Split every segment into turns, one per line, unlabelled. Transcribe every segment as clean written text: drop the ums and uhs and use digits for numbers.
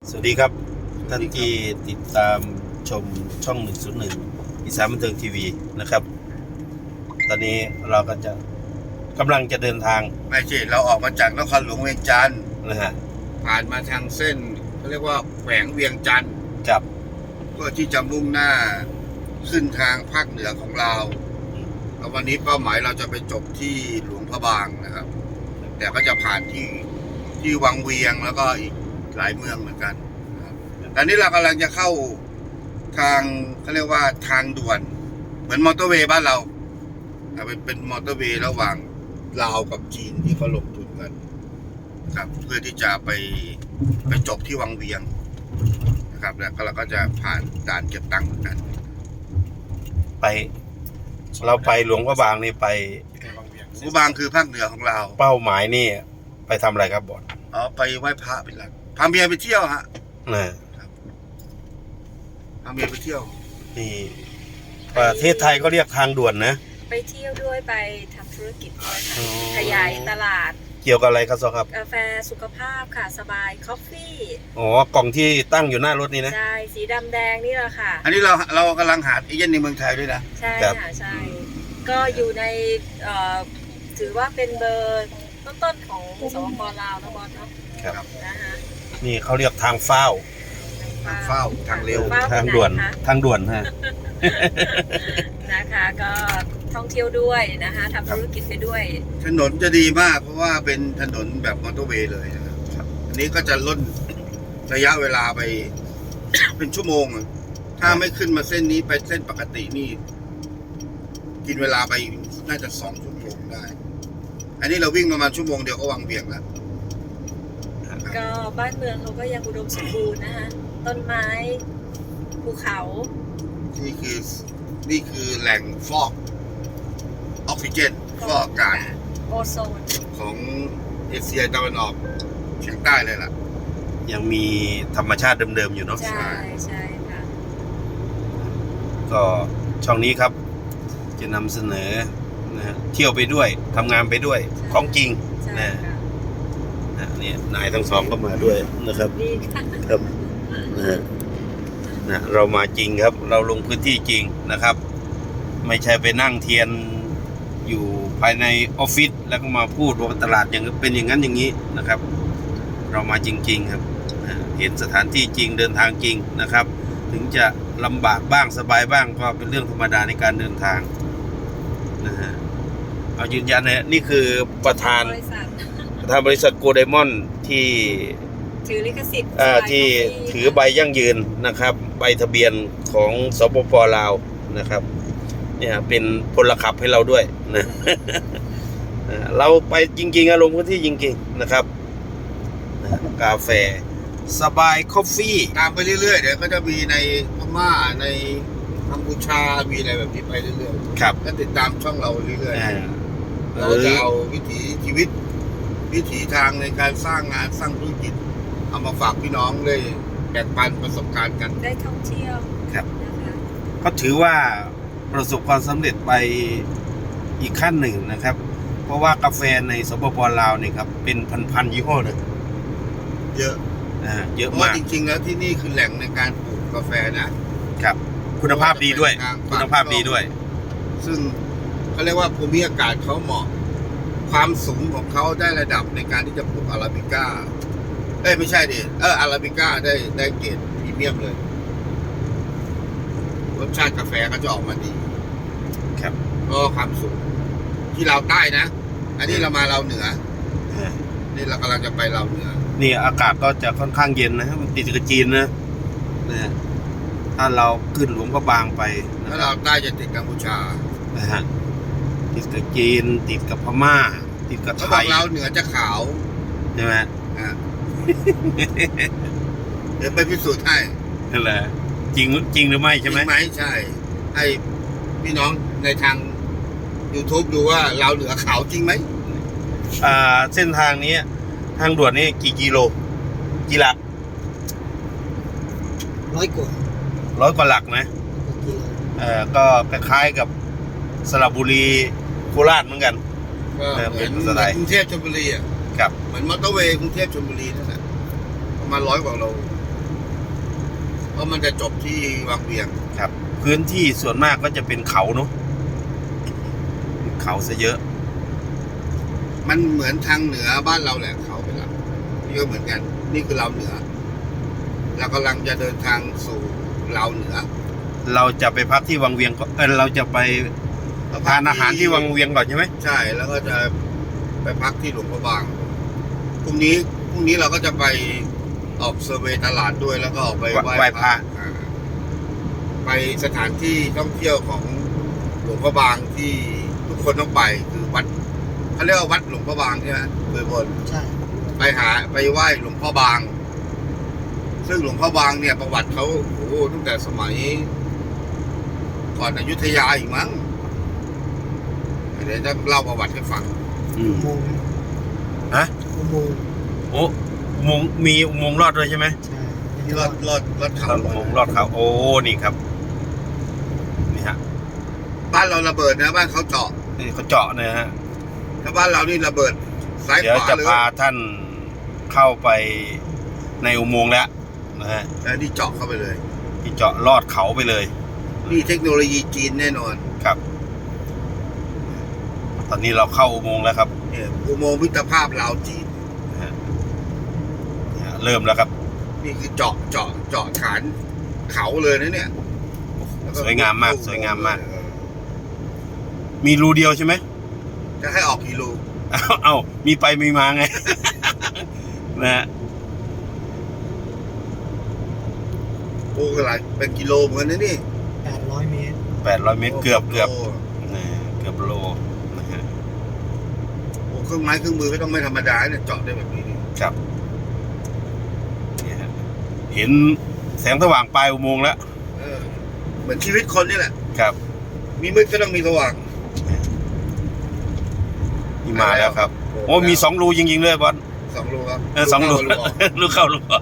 สวัสดีครับท่านที่ติดตามชมช่อง101อีสานบันเทิงทีวีนะครับตอนนี้เราก็จะกำลังจะเดินทาง
ไม่ใช่เราออกมาจากนครหลวงเวียงจันทร์
นะฮะ
ผ่านมาทางเส้นเขาเรียกว่าแขวงเวียงจันทร์
กับ
เพื่อที่จะมุ่งหน้าขึ้นทางภาคเหนือของเราแล้ววันนี้เป้าหมายเราจะไปจบที่หลวงพระบางนะครับแต่ก็จะผ่านที่วังเวียงแล้วก็อีกหลายเมืองเหมือนกันนะครับตอนนี้เรากำลังจะเข้าทางเขาเรียกว่าทางด่วนเหมือนมอเตอร์เวย์บ้านเราแต่เป็นมอเตอร์เวย์ระหว่างลาวกับจีนที่เขาลงทุนกันครับเพื่อที่จะไปจบที่วังเวียงนะครับแล้วเราก็จะผ่านด่านเก็บตังค์เหมือนกัน
ไปเราไปหลวงพระบางนี่ไป
หลวงพระบางคือภาคเหนือของเรา
เป้าหมายนี่ไปทำอะไรครับบอส
ไปไหว้พระเป็นหลักพาเมียไปเที่ยวฮะ
นะครับ
พาเมียไปเที่ยว
นี่ประเทศไทยก็เรียกทางด่วนนะ
ไปเที่ยวด้วยไปทำธุรกิจด้วยค่ะขยายตลาด
เกี่ยวกับอะไรครับซอครับ
กาแฟสุขภาพค่ะสบายคอฟฟี่
อ๋อกล่องที่ตั้งอยู่หน้ารถนี่นะ
ใช่สีดำแดงนี่แหละค่ะ
อันนี้เรากำลังหาเอเย่นในเมืองไทยด้วยนะ
ใช่ค่ะใช่ก็อยู่ในถือว่าเป็นเบอร์ต้นๆของสปป.ลาวนะบอสเนาะ
ครับ
นะคะ
นี่เขาเรียกทางเฝ้า
ทางเร็ว
ทางด่วนทางด่วนฮะ
นะคะก็ท่องเที่ยวด้วยนะคะทำธุรกิจไปด้วย
ถนนจะดีมากเพราะว่าเป็นถนนแบบมอเตอร์เวย์เลยนะครับอันนี้ก็จะลดระยะเวลาไป เป็นชั่วโมงถ้าไม่ขึ้นมาเส้นนี้ไปเส้นปกตินี่กินเวลาไปน่าจะ2 ชั่วโมงได้อันนี้เราวิ่งประมาณชั่วโมงเดียวก็วังเวียงแล้ว
ก็บ้านเมืองเขาก็ยังอุดมสมบูรณ์นะคะต้นไม้ภูเขา
นี่คือแหล่งฟอกออกซิเจนฟอกอากาศ
โอโซน
ของเอเชียตะวันออกเฉียงใต้เลยล่ะ
ยังมีธรรมชาติเดิมๆอยู่เนาะ
ใช่ค่ะ
ก็ช่องนี้ครับจะนำเสนอนะเที่ยวไปด้วยทำงานไปด้วยของจริงนะนี่นายทั้งสองก็มาด้วยนะครับครับนะเรามาจริงครับเราลงพื้นที่จริงนะครับไม่ใช่ไปนั่งเทียนอยู่ภายในออฟฟิศแล้วก็มาพูดว่าตลาดอย่างเป็นอย่างนั้นอย่างนี้นะครับเรามาจริงๆครับเห็นสถานที่จริงเดินทางจริงนะครับถึงจะลำบากบ้างสบายบ้างก็เป็นเรื่องธรรมดาในการเดินทางนะฮะเอายืนยันนะนี่คือประธานบริษัทโกลไดมอนด์ที่
ถือลิขสิทธิ์
ที่ถือใบยั่งยืนนะครับใบทะเบียนของสปป.ลาวนะครับเนี่ยเป็นพลขับให้เราด้วยนะเราไปจริงๆลงพื้นที่จริงๆนะครับกาแฟสบายคอฟฟี่
ตามไปเรื่อยๆเดี๋ยวก็จะมีในพม่าในกัมพูชามีอะไรแบบนี้ไปเรื่อย
ๆครับ
ก็ติดตามช่องเราเรื่อยๆเราจะเอาวิถีชีวิตวิถีทางในการสร้างงานสร้างธุรกิจเอามาฝากพี่น้องเลยแบ่งปันประสบการณ์กัน
ได้ท่องเที่ยว
ครับก็ถือว่าประสบความสำเร็จไปอีกขั้นหนึ่งนะครับเพราะว่ากาแฟในสปป.ลาวเนี่ยครับเป็นพันยี่ห้อเลย
เยอะ
มาก
จริงๆแล้วที่นี่คือแหล่งในการปลูกกาแฟนะครับ
คุณภาพดีด้วยคุณภาพดีด้วย
ซึ่งเขาเรียกว่าภูมิอากาศเขาเหมาะความสูงของเขาได้ระดับในการที่จะปลูกอาราบิก้าไม่ใช่ดิอาราบิก้าได้เกรดพรีเมียมเลยรสชาติกาแฟก็จะออกมาดี
ครับ
ก็ความสูงที่เราใต้นะอันนี้เรามาเราเหนือนี่เรากำลังจะไปเราเหนือ
นี่อากาศก็จะค่อนข้างเย็นนะครับมันติดกับจีนนะถ้าเราขึ้นหลวงพระบางไป
ถ้าเราใต้จะติดกัมพูชา
นะฮะติดกับจีนติดกับพม่าติดกับไทย
เราเหนือจะขาว
ใช่ไหม
เดี๋ยวไปพิสูจน์ให้
นั่นแหละจริงหรือไม่ใช่ไหม
ใช่ให้พี่น้องในทาง YouTube ดูว่าเราเหนือขาวจริงไหม
เส้นทางนี้ทางด่วนนี้กี่กิโลกี่หลัก
100 กว่า
หลักนะก็คล้ายๆกับสระบุรีโคราชเหมือนกัน
เหมือนกรุงเทพชลบุรีอ่ะ
ครับ
เหมือนมอเตอร์เวย์กรุงเทพชลบุรีนั่นแหละประมาณ100 กว่าโลราะมันจะจบที่วังเวียง
ครับ พื้นที่ส่วนมากก็จะเป็นเขาเนาะเขาซะเยอะ
มันเหมือนทางเหนือบ้านเราแหละเขาเป็นหลักนี่ก็เหมือนกัน นี่คือเราเหนือเรากำลังจะเดินทางสู่เราเหนือ
เราจะไปพักที่วังเวียงก็เราจะไปทานอาหารที่วังเวียงก่อนใช่ไหม
ใช่แล้วก็จะไปพักที่หลวงพระบางพรุ่งนี้เราก็จะไปออกเซอร์เวย์ตลาดด้วยแล้วก็ออกไป
ไหว้พระ
ไปสถานที่ท่องเที่ยวของหลวงพระบางที่ทุกคนต้องไปคือวัดเขาเรียกว่าวัดหลวงพระบางใช่ไหมเคยบน
ใช่
ไปไหว้หลวงพ่อบาง ซึ่งหลวงพ่อบางเนี่ยประวัติเขาโอ้โหตั้งแต่สมัยก่อนอยุธยาอีกมั้งเดี๋ยวจะเล่าประวัติให้ฟัง
อืม
อุโมงค์
ฮะ
อุโมงค์
โอ้อุโมงค์มีอุโมงค์ลอดด้วยใช่ไหม
ใช่
รอดเขา
อุโมงค์ลอดเขาโอ้นี่ครับนี่ฮะ
บ้านเราระเบิดนะบ้านเขาเจาะ
นี่เขาเจาะนะฮะ
ถ้าบ้านเรานี่ระเบิดซ้าย
เดี๋ย
ข
ว
วา
จะ
เลย
พาท่านเข้าไปในอุโมงค์แล้วนะฮะ
แต่นี่เจาะเข้าไปเลย
ที่เจาะลอดเขาไปเลย
นี่เทคโนโลยีจีนแน่นอน
ครับ ตอนนี้เราเข้าอุโมงค์แล้วครับ
เนี่ยอุโมงค์มิตรภาพลาวจีน
นะฮะเนี่ยเริ่มแล้วครับ
นี่คือเจาะฐานเขาเลยนะเนี่ยแล้วก็
สวยงามมากสวยงามมาก มีรูเดียวใช่ไหม
จะให้ออกกี่รู
เอามีไปมีมาไง นะฮะ
โอ้ก็หลายเป็นกิโลเหมือนกันนะนี่
800 เมตร
800 เมตรเกือบ
โ
นะเกือบโลนะฮะ
โอ้เครื่องไม้เครื่องมือก็ต้องไม่ธรรมดาเนี่ยเจาะได้แบบนี้นี่
ครับเนี่ยฮะเห็นแสงสว่างปลายอุโมงค์แล้ว
เออเหมือนชีวิตคนนี่แหละ
ครับ
มีมืดก็ต้องมีสว่าง
นี่มาแล้วครับ โอ้มี2 รูจริงๆเลยบอส
2 รูครับ
2 รู
รูออก
รูเข้ารูออก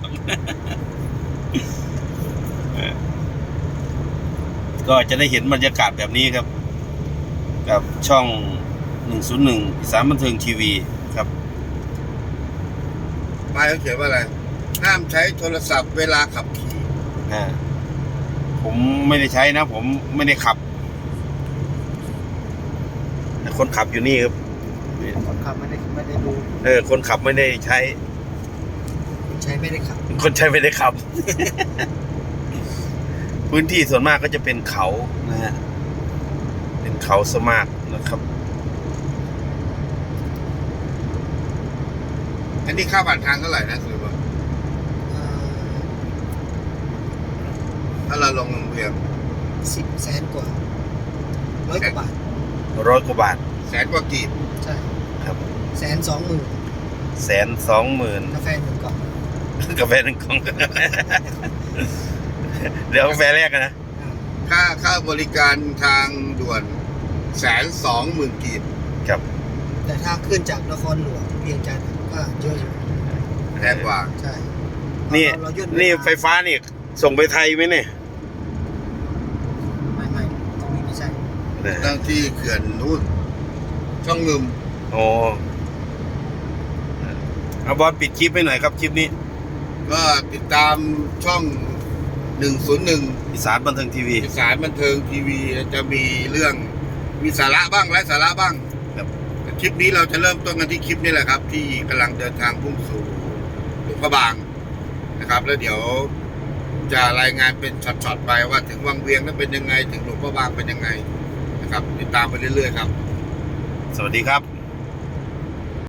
ก็จะได้เห็นบรรยากาศแบบนี้ครับ กับช่อง 101 อีสานบันเทิงทีวีครับ
ป้ายเขาเขียนว่าอะไร ห้ามใช้โทรศัพท์เวลาขับขี่
ผมไม่ได้ใช้นะ ผมไม่ได้ขับแต่คนขับอยู่นี่ครับ
คนขับไม่ได้ดู
คนขับไม่ได้ใช้
คนใช้ไม่ได้ขับ
คนใช้ไม่ได้ขับ พื้นที่ส่วนมากก็จะเป็นเขานะฮะ เป็นเขาสมากนะครับ
อันนี้ค่าผ่านทางเท่าไหร่นะคือว่าถ้าเราลงโรงเรียน
10 แสนกว่า100 กว่าบาท
100 กว่าบาท
แสนกว่ากีบ
ใช่
ครับ
120,000
120,000
กาแฟ1 กล่อง
กาแฟ1 กล่อง เดี๋ยวกาแฟแรกกันนะ
ค่าบริการทางด่วน120,000กีบ
ครับ
แต่ถ้าขึ้นจากนครหลวงเวียงจันทร์ก็เยอะอยู่
แพงกว่า
ใช่
นี่
เราย่น
นี่ไฟฟ้านี่ ส่งไปไทยไหมเนี่ย
ไม่ตรงนี้ไม่ใช่
ตั้งที่เขื่อนนู่นช่องงึม
โอ้เอาบอลปิดคลิปให้หน่อยครับคลิปนี้
ก็ติดตามช่อง 101
อีสานบันเทิงทีวี
อีสานบันเทิงทีวีจะมีเรื่องมีสาระบ้างไร้สาระบ้าง
ครับ
คลิปนี้เราจะเริ่มต้นกันที่คลิปนี้แหละครับ ที่กำลังเดินทางพุ่งสู่หลวงพระบางนะครับ แล้วเดี๋ยวจะรายงานเป็นช็อตๆไปว่าถึงวังเวียงนั้นเป็นยังไง ถึงหลวงพระบางเป็นยังไงนะครับ ติดตามไปเรื่อยๆครับ
สวัสดีครับ